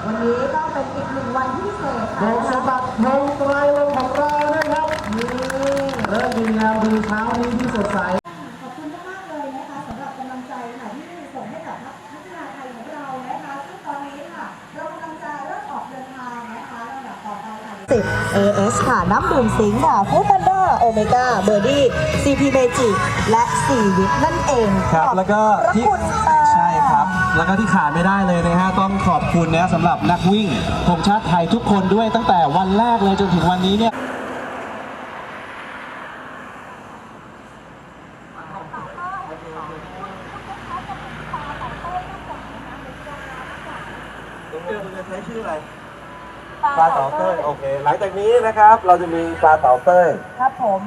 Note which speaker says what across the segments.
Speaker 1: วันนี้ก็เป็นอีกหนึ่งวันที่พิเศษค่ะ
Speaker 2: โดยสบัดเทงไตรลงของเรานะครับนี่เริ่มดีแล้วดีเช้านี้ที่สดใส
Speaker 1: ขอบคุณมากเลยนะคะสำหรับกำลังใจค่ะที่ส่งให้กับนักกีฬาไทยของเรานะคะซึ่งตอนนี้ค่ะเรากำลังจะเริ่มออกเดินทางนะคะลำดับต่อไปค่ะ10 AS ค่ะน้ำดื่มสิงค์ค่ะฟู้ดแพนด้าโอเมก้าเบอร์ดี้ CP Magic และ4วิตนั่นเอง
Speaker 2: ครับแล้วก็ที่ใช่ครับแล้วก็ที่ขาดไม่ได้เลยนะฮะต้องขอบคุณนะสำหรับนักวิ่งธงชาติไทยทุกคนด้วยตั้งแต่วันแรกเลยจนถึงวันนี้เนี่ยคุณจะใช้ชื่ออะไรปลาเต่าเต้ยโอเคหลังจากนี้นะครับเราจะมีปลาเต่าเต้ย
Speaker 1: ครับผม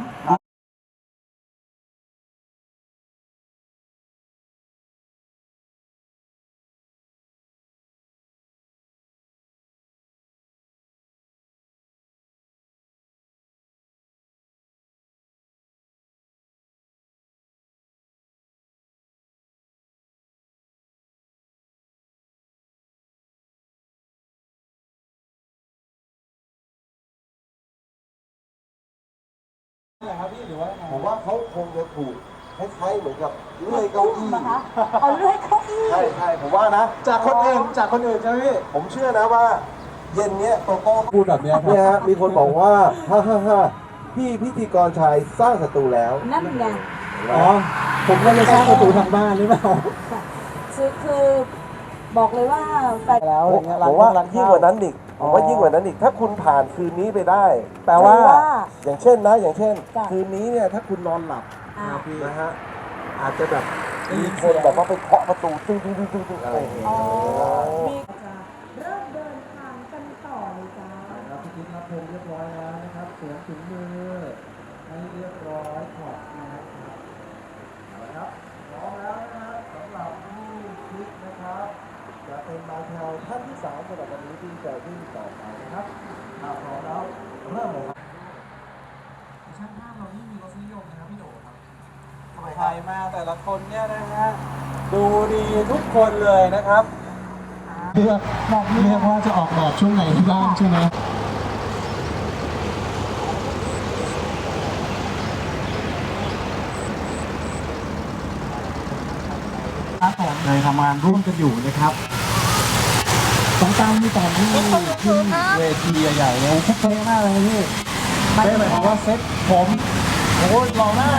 Speaker 3: ผมว่าเขาคงจะถูกคล้ายๆเหมือนกับเลื่อยเก้าอี้
Speaker 1: นะคะเอาเลื่อยเก้าอี้
Speaker 3: ใช่ผมว่านะ
Speaker 2: จากคนอื่นใช่ไหมพี่
Speaker 3: ผมเชื่อนะว่าเย็นเนี้ยโตโต้
Speaker 2: พูดแบบนี้
Speaker 3: เนี่ยฮะมีคนบอกว่าฮ่าพี่พิธีกรชายสร้างศัตรูแล้ว
Speaker 1: นั่นไง
Speaker 2: อ๋อผมก็เลยสร้างประตูทางบ้านหรือเปล่า
Speaker 1: คือบอกเลยว่าแฟน
Speaker 2: แล้วอะไรเงี้ย
Speaker 3: ผมว่ายิ่งกว่านั้นอีกผมว่ายิ่งกว่านั้นอีกถ้าคุณผ่านคืนนี้ไปได้
Speaker 2: แปลว่า
Speaker 3: อย่างเช่นคืนนี้เนี่ยถ้าคุณนอนหลับนะฮะอาจจะแบบมีคนแบบว่าไปเคาะประตูตึ้งอะไรอย่างเงี้ย
Speaker 1: เริ่มเดินทางกันต่อเลยจ้า
Speaker 2: ครับพี่กิ๊กรับเพลงเรียบร้อยแล้วนะครับสวมถุงมือให้เรียบร้อยถอดนะครับเอาละครับพร้อมแล้วนะครับสำหรับผู้คิดนะครับจะเป็นบาแถวท่านที่3สำหรับวันนี้ที่จะวิ่งต่อไปนะครับพร้อมแล้วเริ่มเลยครับช่างภาพเรานี่มีรสนิยมนะครับพี่โดครับใครมาแต่ละคนเนี่ยนะฮะดูดีทุกคนเลยนะครับเรียกว่าจะออกแบบช่วงไหนบ้างใช่ไหมครับผมเลยทำงานร่วมกันอยู่นะครับต้องตามที่ตอนที่ขึ้นเวทีใหญ่ๆเนี่ยโคตรเท่มากเลยพี่ไม่หมายความว่าเซ็ตผมโอ้ยหล่อหน้า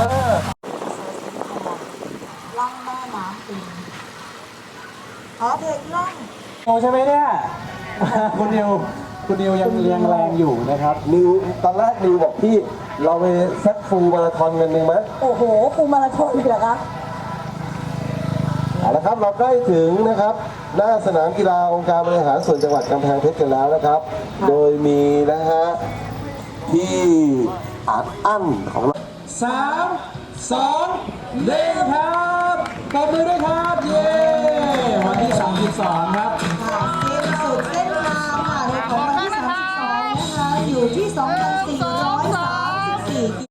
Speaker 1: ล่องแม่น้ำปิงเพลงล่อง
Speaker 2: โอ้ใช่ไหมเนี่ยคุณนิวยังเรียงแรงอยู่นะครับ
Speaker 3: ตอนแรกนิวบอกพี่เราไปเซตฟูลมาราธอนกันหนึ่งไหม
Speaker 1: โอ้โหฟูลมาราธอนเลยเหรอคะ
Speaker 3: เอาละครับเราใกล้ถึงนะครับหน้าสนามกีฬาองค์การบริหารส่วนจังหวัดกำแพงเพชรกันแล้วนะครับโดยมีนะฮะที่อั้นของเรา
Speaker 2: 3 2 1ครับปรบมือด้วยครับเย้วันที่32ครับ
Speaker 1: สิ้นสุดเส้นทางค่ะในของวันที่32นะคะอยู่ที่2,400